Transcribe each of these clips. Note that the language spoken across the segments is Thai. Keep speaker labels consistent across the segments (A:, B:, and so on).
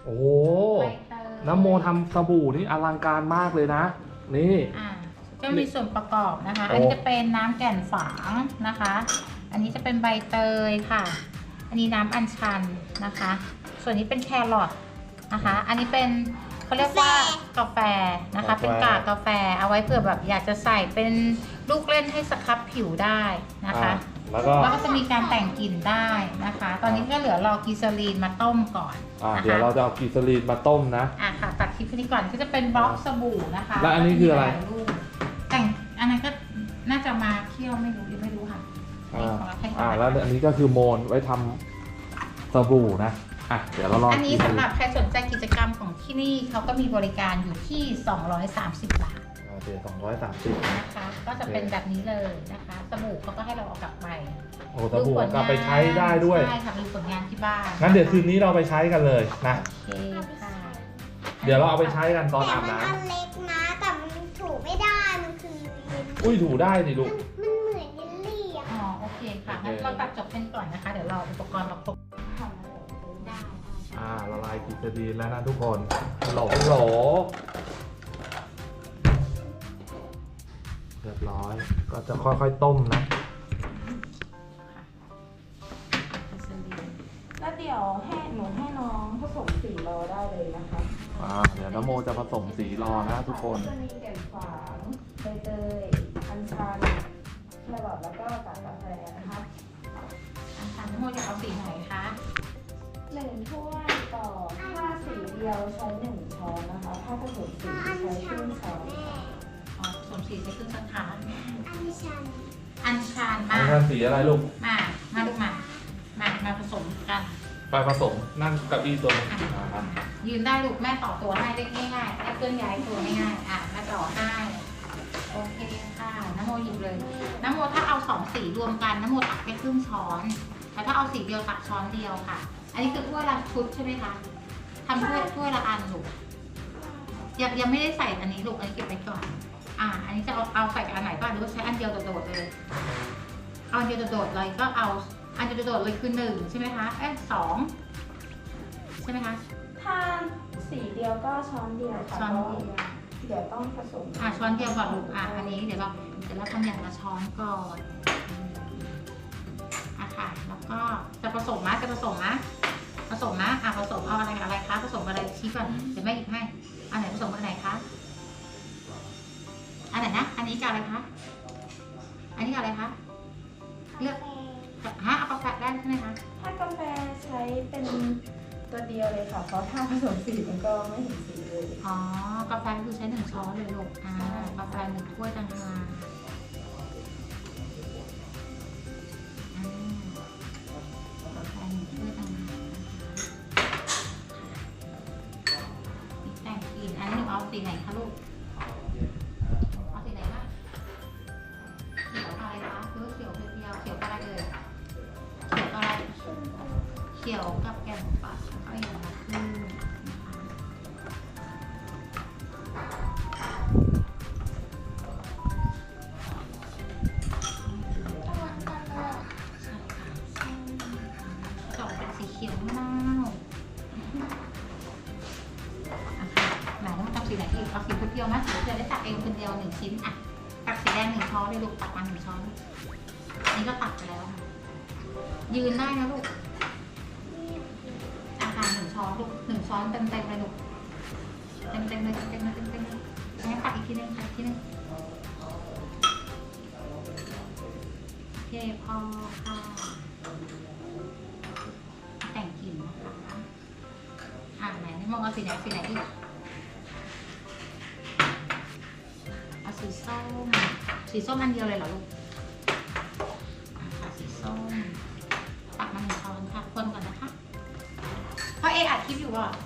A: โอ้โห
B: ใบเตย
A: น้ำโมทำสบู่นี่อลังการมากเลยนะนี่
B: จะมีส่วนประกอบนะคะ
A: โอ้
B: อันนี้จะเป็นน้ำแก่นฝางนะคะ อันนี้จะเป็นใบเตยค่ะ อันนี้น้ำอัญชันนะคะ ส่วนนี้เป็นแครอทนะคะ อันนี้เป็นเขาเรียกว่ากาแฟนะคะ เป็นกากกาแฟเอาไว้เผื่อแบบอยากจะใส่เป็นลูกเล่นให้สครับผิวได้นะคะ
A: แล้วก็
B: แล้วก็จะมีการแต่งกลิ่นได้นะคะ ตอนนี้ก็เหลือรอกีซาลีนมาต้มก่อนนะคะ
A: เดี๋ยวเราจะเอากีซาลีนมาต้มนะ
B: ค่ะตัดคลิปนี้ก่อนก็จะเป็นบล็อกสบู่นะคะ
A: แล้วอันนี้คืออะไร
B: แต่งอันนั้นก็น่าจะมาเคี่ยวไม่รู้ไม่รู้ค่ะ
A: แล้วอันนี้ก็คือโมนไว้ทำสบู่นะเดี๋ยวเราลอง
B: อันนี้สำหรับใครสนใจกิจกรรมของที่นี่เขาก็มีบริการอยู่ที่230 บาท
A: โอเค230
B: นะคะ ก็จะเป็นแบบนี้เลยนะคะสบู่เขาก็ให้เราเอากลับไป
A: โอ้สบู่กลับไปใช้ได้ด้วย
B: ใช่ค่ะมีผลงานที่บ้าน
A: งั้นเดี๋ยวคืนนี้เราไปใช้กันเลยนะ
B: โอเคค่ะ
A: เดี๋ยวเราเอาไปใช้กันตอน
C: แต่
A: อาบ
C: มัน
A: น้
C: อันเล็กนะแต่มันถูไม่ได้มันคือ
A: ำอุ้ยถูได้สิลูก
C: มันเหมือนเยลลี่อะ
B: อ๋อโอเคค่ะงั้นเราตัดจบเป็นก่อนนะคะ เดี๋ยวเราอุปกรณ์เราครบได้
A: ละลายกีซาลีนแล้วนะทุกคนโหลเรียบร้อยก็จะค่อยๆต้มนะ
D: แล้วเดี๋ยวหนูให้น้องผสมสีรอได้เลยนะคะ
A: เดี๋ยวน้ำโมจะผสมสีรอนะทุกคน
D: จะมีแก่นฝางใบเตยอัญชันแครอทแล้วก็กากกาแฟนะคะ
B: อันนี้โมอยากเอาสีไหนคะ
D: 1 ถ้วยต่อถ้าสีเดียวใช้1 ช้อนนะคะ ถ้าผสมสีใช้ครึ่งช้อนค่ะ
B: อ๋อผสมสีใช้ครึ่งช้อนชา
C: อันชัน
B: อัญชัน
A: อั
B: มาน
A: นั้นสีอะไรลูก
B: มาลูกมาผสมกัน
A: ไปผสมนั่งกับอีตัวนี้
B: ยืนได้ลูกแม่ต่อตัวให้ได้ง่ายๆได้เคลื่อนย้ายตัวง่ายๆแม่ต่อให้โอเคค่ะน้ำโมหยิบเลยน้ำโมถ้าเอา2 สีรวมกันน้ำโมตักแค่ครึ่งช้อนแต่ถ้าเอาสีเดียวตักช้อนเดียวค่ะ อันนี้คือถ้วยละชุดใช่ไหมคะทำถ้วยละอันลูกยังไม่ได้ใส่อันนี้ลูกอันนี้เก็บไว้ก่อนอันนี้จะเอาใส่อันไหนบ้างหรือว่าใช้อันเดียวโดดๆเลยเอาอันเดียวโดดๆเลยก็เอาอันเดียวโดดๆเลยคือ1ใช่ไหมคะ2ใช่ไหมคะ
D: ถ้าสีเดียวก็ช้อนเดียวค่ะ
B: ช้อนเดียว
D: เดี๋ยวต้องผสม
B: ช้อนเดียวก่อนลูกอันนี้เดี๋ยวเราทำอย่างละช้อนก่อนค่ะแล้วก็จะผสมนะผสมนะผสมเอาอะไรคะผสมอะไรชี้ก่อนเดี๋ยวแม่หยิบให้อันไหนผสมอันไหนคะอันไหนนะอันนี้กับอะไรคะอันนี้กับอะไรคะเลือกเอากาแฟได้ใช่ไหมคะ
D: ถ้ากาแฟใช้เป็นตัวเดียวเลยค่ะ เพราะถ้าผสมสีมันก็ไม่เห็นสีเลย
B: กาแฟคือใช้1 ช้อนเลยลูกกาแฟ1 ถ้วยต่างหากกาแฟ1 ถ้วยต่างหากแต่งกลิ่นอันนี้หนูเอาสีไหนคะลูกเอาสีไหนบ้างเขียวอะไรคะหรือเขียวเพียวๆเขียวอะไรเอ่ยเขียวอะไรเขียวกับแก่นฝางเอาอย่างละครึ่งสีเขียวมะนาวไหนต้องทำสีไหนอีกเอาสีเพียวๆไหมสีเพียวได้ตักเองคนเดียว1 ชิ้นตักสีแดง1 ช้อนเลยลูกตักมา1 ช้อนอันนี้ก็ตักไปแล้วค่ะยืนได้นะลูก1 ช้อนลูก1 ช้อนเต็มเลยลูกเต็มเลยงั้นตักอีกทีนึงโอเคพอค่ะแต่งกลิ่นนะคะไหนมองเอาสีไหนอีกเอาสีส้มอันเดียวเลยเหรอลูกสีส้มตักมา1 ช้อนค่ะคนก่อนนะคะเพราะอัดคลิปอยู่อ่ะ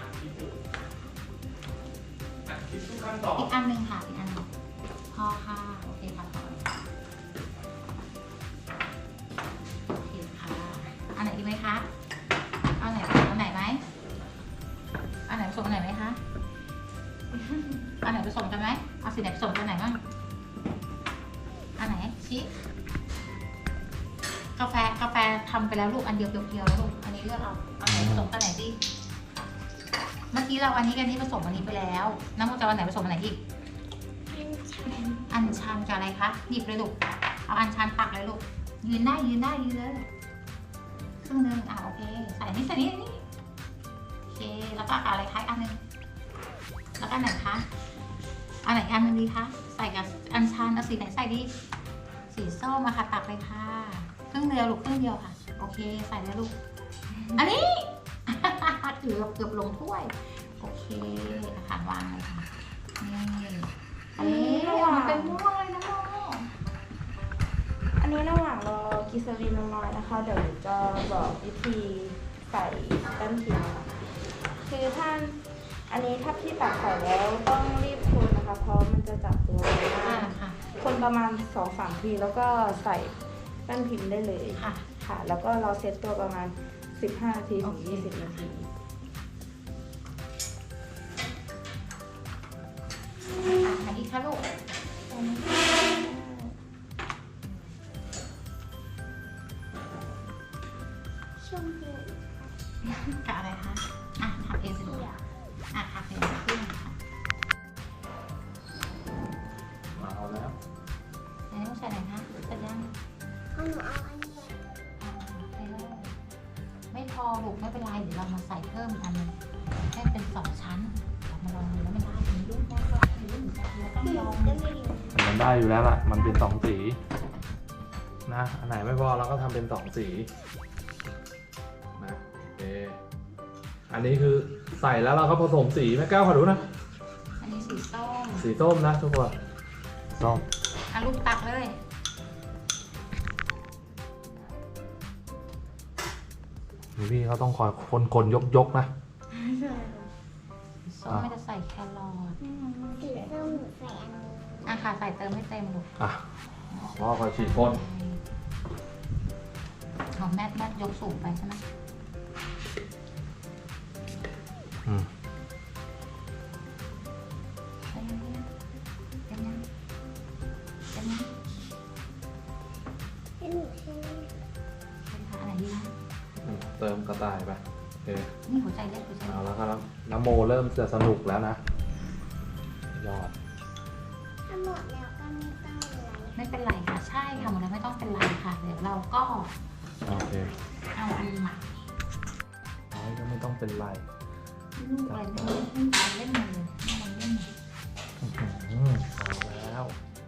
B: อีกอันหนึ่งค่ะอีกอันหนึ่งพอค่ะโอเคค่ะพอโอเคค่ะอันไหนดีไหมคะเอาไหนไหมอันไหนผสมอันไหนไหมคะอันไหนผสมกันไหมเอาสีไหนผสมกันไหนบ้างอันไหนชี้กาแฟทำไปแล้วลูกอันเดียวเพียวๆแล้วลูกอันนี้เลือกเอาไหนผสมกันไหนดีมื่อกี้เราอันนี้กันนี้ผสมอันนี้ไปแล้ว น้ำมันจะวันไหนผสมอันไหนอีก อัญชันกับอะไรคะหยิบเลยลูก เอาอัญชันตักเลยลูก ยืนได้ยืนเลยครึ่งนึงโอเค ใส่นี่โอเค แล้วก็อะไรคะอันนึงแล้วก็อันไหนคะอันไหนอันนึงดีคะ ใส่กับอัญชันเอาสีไหนใส่ดี สีส้มมาค่ะตักเลยค่ะครึ่งเดียวลูกครึ่งเดียวค่ะ โอเค ใส่เลยลูก อันนี้ เกือบลงถ้วย โอเคค่ะวางเลยค่ะ นี่อันนี้มันเป็นม่วงเลยนะโม
D: อันนี้ระหว่างรอกิซารีนน้อยๆนะคะ เดี๋ยวจะบอกวิธีใส่แป้นพิมพ์ค่ะคืออันนี้ถ้าพี่ตักใส่แล้วต้องรีบคนนะคะ เพราะมันจะจับตัวไม่ได้
B: ค่ะ
D: คนประมาณ 2-3 ทีแล้วก็ใส่แป้นพิมพ์ได้เลย
B: ค่ะ
D: ค่ะ แล้วก็เราเซตตัวประมาณ 15 นาทีถึง 20 นาที
B: อันนี้ค่ะลูก
C: ชมพู
B: กับอะไรคะทำเองสิลูกทำเองขึ้นค่ะ
A: มาเอาแล้ว
B: อันนี้ต้องใส่ไหนคะใส่ยัง
C: เอาหนูเอาอันนี้
B: ใส่เลยไม่พอลูกไม่เป็นไรเดี๋ยวเรามาใส่เพิ่มอีกอันนึงให้เป็น2 ชั้นเรามาลองดูแล้วไม่ได้ถึงลูกแม่ก็ถึงลูกเหมือนกันเราต้องลอง
C: ก็ไม่รู้
A: มันได้อยู่แล้วล่ะ มันเป็น2 สีนะ อันไหนไม่พอเราก็ทำเป็น2 สีนะโอเคอันนี้คือใส่แล้วเราก็ผสมสีแม่แก้วขอดูนะ
B: อันนี้สีส้ม
A: สีส้มนะทุกคนส้ม
B: ลูกตักเลย
A: พี่เขาต้องคอยคนยกนะ
D: ใช่ค่ะ
B: ส้มไม่จะใส่แครอท
C: สีส้มหนูใส่อันนี้
B: ค่ะใส่เติมให้เต็มลูก
A: รอคอยฉีดพ่น
B: ของแม่ยกสูงไปใช่ไหม ใส่ยังไงเต็มยังเต็มยัง
C: ให้หนูให้
B: เป็นขาอะไรดีนะ
A: เติมกระต่ายไปโอเค
B: นี่หัวใจเล็กหัวใจ
A: เอา
B: เล็ก
A: แล้วครับน้ำโมเริ่มจะสนุกแล้วนะยอด
C: ถ้าหมดแล้วก็ไม่ต้องอะไร
B: ไม่เป็นไรค่ะใช่ค่ะหมดแล้วไม่ต้องเป็นไรค่ะเดี๋ยวเราก็
A: โอเค
B: เอาอันใหม่
A: เอาก็ไม่ต้องเป็นไร
B: ลูกอะไรไม่รู้เล่นการเล่นมือไม่ลองเล่น
A: เอาแล้ว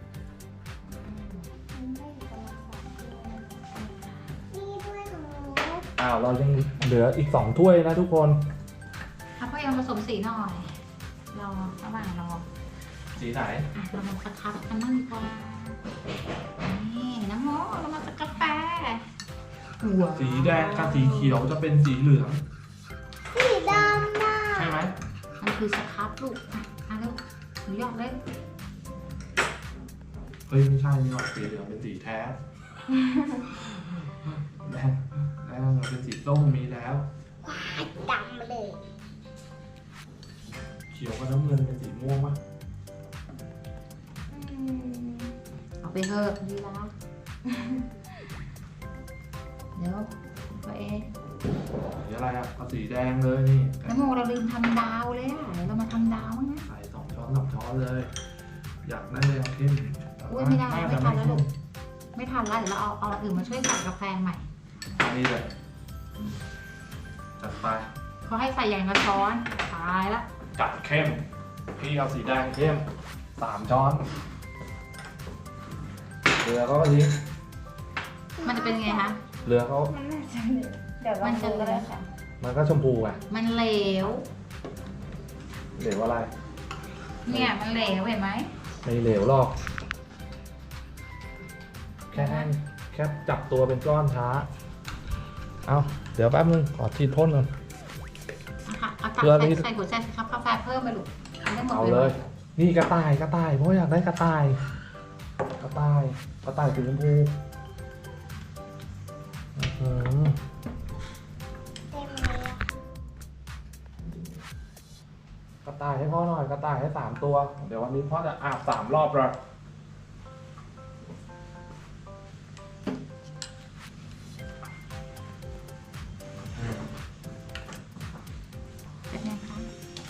C: นี่ด้วยของหนู
A: เรายังเหลืออีก2 ถ้วยนะทุกคน
B: ถ้าพ่อยังผสมสีหน่อยรอระหว่างรอ
A: สีไหน
B: เรามาสักคับกันบ้างดีกว่านี่น้ำโมเรามาสักกาแฟ
A: สีแดงกับสีเขียวจะเป็นสีเหลือง
C: สีดำน่ะ
A: ใช่ไหม
B: มันคือสครับลูกลูกหนูหยอกเลย
A: เฮ้ยไม่ใช่นี่หรอกสีเหลืองเป็นสีแท้แดงเป็นสีส้มมีแล้ว
C: ว้ายดำเลย
A: เขียวกับน้ำเงินเป็นสีม่วงปะ
B: เอาไปเถอะดีละเดี๋ยวตัวเอง
A: สีอะไรอ่ะเอาสีแดงเลยนี่
B: น้ำโมเราลืมทำดาวเลยอ่ะเดี๋ยวเรามาทำดาวมั้งนะ
A: ใส่2 ช้อน 3 ช้อนเลย อยากได้แดงเข้ม
B: อุ้ยไม่ได้ไม่
A: แต่
B: ทันแล้ว
A: เข้
B: ลู
A: ม
B: กไม่ทันแล้วเดี๋ยวเราเอาอื่นมาช่วยใส่กาแฟใหม่
A: อันนี้เลยจัดไป
B: เขาให้ใส่อย่างละช้อนตายละ
A: จัดเข้ม พี่เอาสีแดงเข้ม3 ช้อนเรือเขาก็ทิ้ง
B: มันจะเป็นไงคะ
A: เรือเขา
D: มันน่าจะเหลวเดี๋ยวลองดูก็ได้ค่ะ
A: มันก็ชมพูไง
B: มันเหลว
A: เหลวอะไร
B: เนี่ยมันเหลวเห็นไหม
A: ไม่เหลวหรอก แค่จับตัวเป็นก้อนช้า เอาเดี๋ยวแป๊บนึงขอฉีดพ่นก่อน
B: ค่ะเอาตัก
A: เกลือนี่
B: ใส่หัวใจสิครับกาแฟเพิ่มไปลูกเอาได้หมด
A: เอา
B: เล
A: เลย ย นี่กระต่ายเพราะอยากได้กระต่ายสีชมพูอื้อหือ
C: เต็มเลยอะ
A: กระต่ายให้พ่อหน่อยกระต่ายให้3 ตัว เดี๋ยววันนี้พ่อจะอาบ3 รอบเลย
B: เป็นไงคะ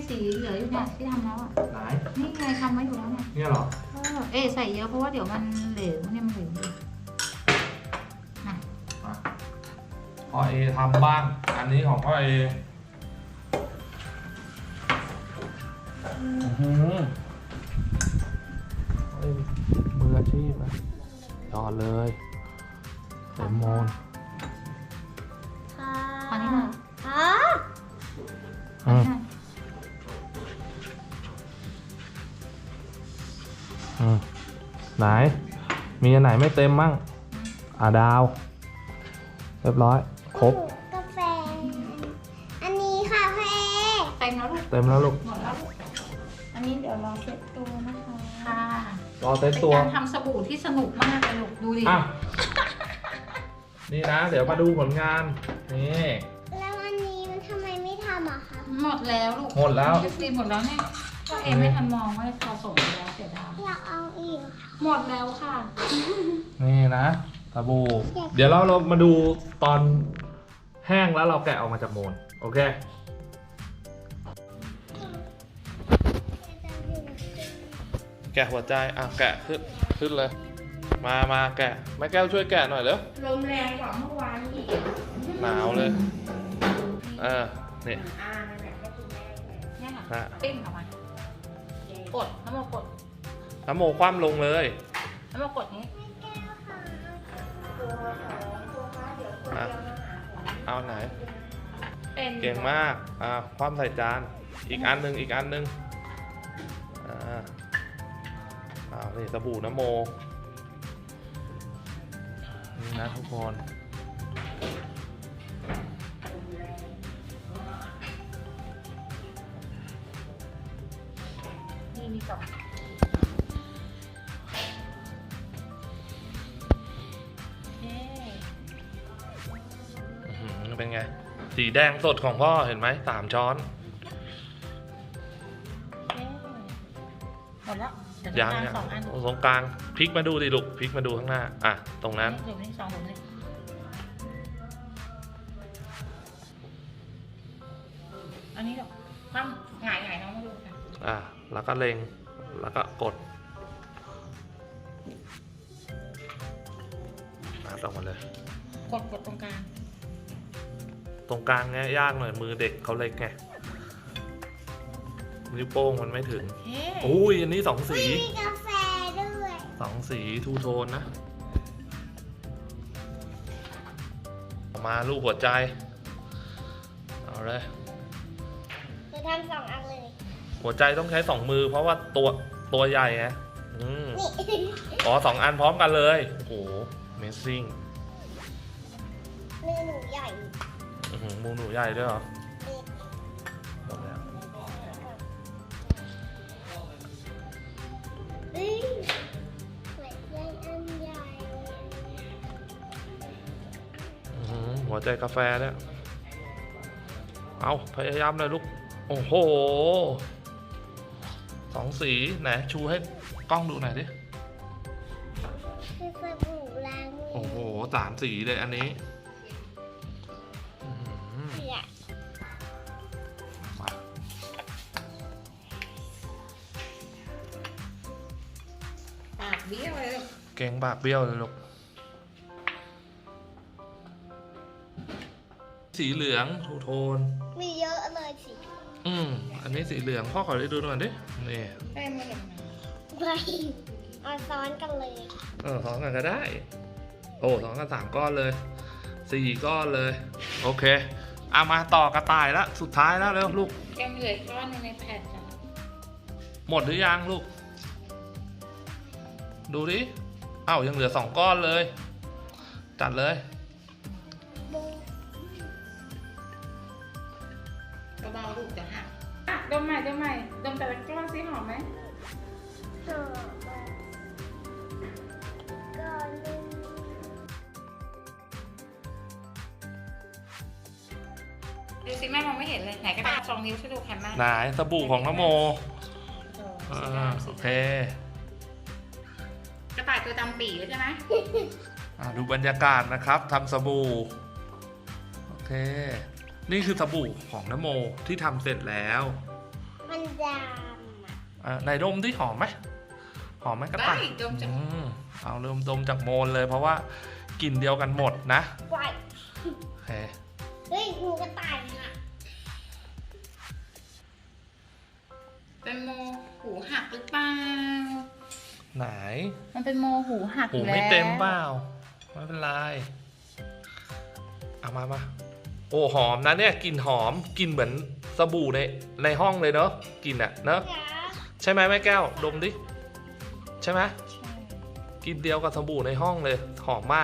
B: สีเหลืออยู่เนี่ยที่ทำแล้วอ่ะ
A: ไหน
B: นี่ไงทำไว้อยู่แล้วเนี่ย
A: เนี่ยเหรอ
B: ใส่เยอะเพราะว่าเดี๋ยวมันเหลวเนี่ยมันเหลวอยู่น่ะ
A: อ่ะพ่อเอทำบ้าง อันนี้ของพ่อเอเฮ้ยมืออาชีพนะยอดเลยเต็มโมน
C: ค่ะ
B: อันนี้น่ะ
C: อ๋อ
B: อันนี้น่ะ
A: ไหน มีอันไหนไม่เต็มมั่งดาว เรียบร้อย ครบ
C: กาแฟ อันนี้ค่ะพ่อเอ
B: เต็มแล้วลูก
A: เต็มแล้วลูก
B: หมดแล้วลูก
D: อันนี้เดี๋ยวรอเซ็ตตัวนะคะ
B: ค่ะ
A: รอเต็ม
B: เป็น
A: ตัว
B: การทำสบู่ที่สนุกมากเลยลูกดูดิ
A: อ่ะ นี่นะ เดี๋ยวมาดูผลงาน นี่
C: แล้วอันนี้มันทำไมไม่ทำอะคะ
B: หมดแล้วลูก
A: หมดแล้ว
B: ตีหมดแล้วเนี่ยก็เอ็มไม่ทันมองว่าพอส่งไปแล้วเสียดาย
C: อยากเอาอีก
B: หมดแล้วค่ะ
A: นี่นะสบู่เดี๋ยวเรามาดูตอนแห้งแล้วเราแกะออกมาจากโมน โอเค แกะหัวใจ แกะขึ้นเลย มาแกะแม่แก้วช่วยแกะหน่อยเร็ว
B: ลมแรงกว่าเมื่อวานอีก
A: หนาวเลยนี่
B: เนี่ยค่ะ
A: ฮะ
B: ปิ้งออกมากดน้ำมันกด
A: น้ำโมคว่ำลงเลย
B: น้ำมันกดนี้
A: อ่ะเอาไหน
B: เป็น
A: เก่งมากคว่ำใส่จาน อีกอันหนึ่งนี่สบู่น้ำโม นี่นะทุกคน
B: นี่มีสอง
A: เป็นไง สีแดงสดของพ่อเห็นไหม3 ช้อน
B: หมดแล้วเดี๋ยว
A: ยัง
B: สองอัน
A: ตรงกลางพลิกมาดูดิลูกพลิกมาดูข้างหน้าตรงนั้น
B: หลุมนี่สองหลุมนี่อันนี้หรอคว่ำหงายน้องมาดูค่ะ
A: แล้วก็เล็งแล้วก็กดออกมาเลย
B: กดตรงกลาง
A: ตรงกลางเนี้ยยากหน่อยมือเด็กเขาเล็กไงนิ้วโป้งมันไม่ถึง
B: เฮ้
A: อุ้ยอันนี้2 สี
C: มีกาแฟด้วย
A: 2 สีทูโทนนะออกมารูปหัวใจเอาเลย
C: หนูทำ2 อันเลย
A: หัวใจต้องใช้ 2 มือเพราะว่าตัวใหญ่ไง
C: นี่
A: 2 อันพร้อมกันเลย โอ้โห Amazing
C: มือหนูใหญ่
A: มูหนูใหญ่ด้วยเหรอหมดแล้ว
C: หัวใจอันใหญ่
A: หัวใจกาแฟเนี่ยเอาพยายามเลยลูก โอ้โห 2 สีไหนชูให้กล้องดูหน่อยดิ
C: คือสบู่ล้างมือ
A: โอ้โห3 สีเลยอันนี้
C: ใหญ่
A: มา
B: ปากเบี้ยวเลย
A: เก่งปากเบี้ยวเลยลูก สีเหลืองทูโทน
C: มีเยอะเลยสิ
A: อันนี้สีเหลืองพ่อขอได้ดูหน่อยดิ นี่
B: แป้งไม่เห็น
C: ไม่เอาซ้อนกันเลย
A: 2 กันก็ได้ โอ้2 กัน 3 ก้อนเลย 4 ก้อนเลย โอเคมาต่อกระต่ายแล้วสุดท้ายแล้วเร็วลูก
B: แกมเหลือก้อนนึงในแผ่นจ้ะ
A: หมดหรือยังลูก ดูดิยังเหลือ2 ก้อนเลย จัดเลย
B: เบาๆลูกจะหักดมใหม่ดมแต่ละก้อนซิหอมไหม
C: หอมก่อนนึง
B: ดูสิแม่มองไม่เห็นเลยไหนกระดาษ2 นิ้วช่วยดูแคมแม่
A: ไหนสบู่ของน้ำโมโอเค
B: กระต่ายตัวดำปี่ใช่ไหม
A: ดูบรรยากาศนะครับทำสบู่ โอเค นี่คือสบู่ของน้ำโมที่ทำเสร็จแล้ว
C: ดำอ่ะ
A: ไหนดมที่หอมไหมหอมไหมกระต่าย
B: ได้ดมจาก
A: เอาเริ่มดมจากโมนเลยเพราะว่ากลิ่นเดียวกันหมดนะ
C: ไว้
A: โอเค
C: เฮ้ยหนูกระต่ายอ่ะ
B: เป็นโมหูหักหรือเปล่า
A: ไหน
B: มันเป็นโมหูหัก
A: หู
B: อยู่แล้ว
A: ไม่เต็มเปล่าไม่เป็นไรเอามาโอ้หอมนะเนี่ยกลิ่นหอมกลิ่นเหมือนสบู่ในห้องเลยเนอะกลิ่นอะเนอะ
C: จ๋า
A: ใช่ไหมแม่แก้วดมดิใช่ไหมกลิ่นเดียวกับสบู่ในห้องเลยหอมมาก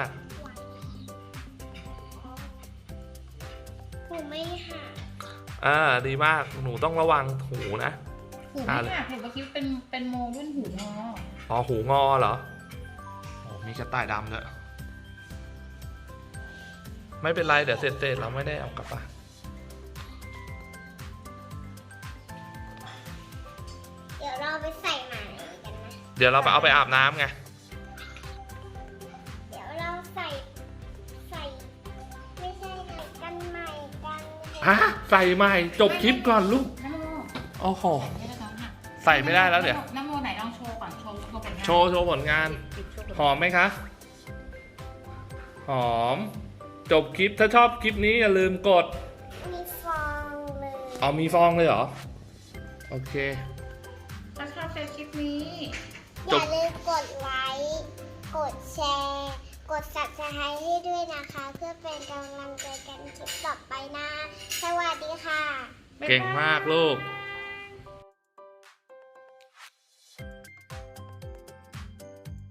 C: หนูไม่หัก
A: ดีมากหนูต้องระวังหูนะ
B: หูไม่หักเห็นเมื่อกี้เป็นโมรุ่นหูงอ
A: อ๋อหูงอเหรอโอ้มีกระต่ายดำด้วยไม่เป็นไรเดี๋ยวเสร็จเราไม่ได้เอากลับบ้าน
C: เดี๋ยวเราไปใส่ใหม่กันนะ
A: เดี๋ยวเราไปเอาไปอาบน้ำไง
C: เดี๋ยวเราใส่ไม่ใช่ใส่กันใหม่กัน
A: ฮะใส่ใหม่จบคลิปก่อนลูก
B: น้ำโม
A: โอ้โห
B: ไม่ได้น้องหัก
A: ใส่ไม่ได้แล้วเดี๋ยว
B: น้ำโมไหนลองโชว์ก่อนโชว์ผลงาน
A: โชว์ผลงาน หอมไหมคะ หอม จบคลิปถ้าชอบคลิปนี้อย่าลืมกด
C: มีฟองเลย
A: เอามีฟองเลยเหรอ โอเค
B: ถ้าชอบคลิปนี้
C: อย่าลืมกดไลค์กดแชร์กด Subscribe ให้ด้วยนะคะ เพื่อเป็นกำลังใจกันคลิปต่อไปนะ สวัสดีค่ะ
A: เก่งมากลูก
C: บ๊ายบาย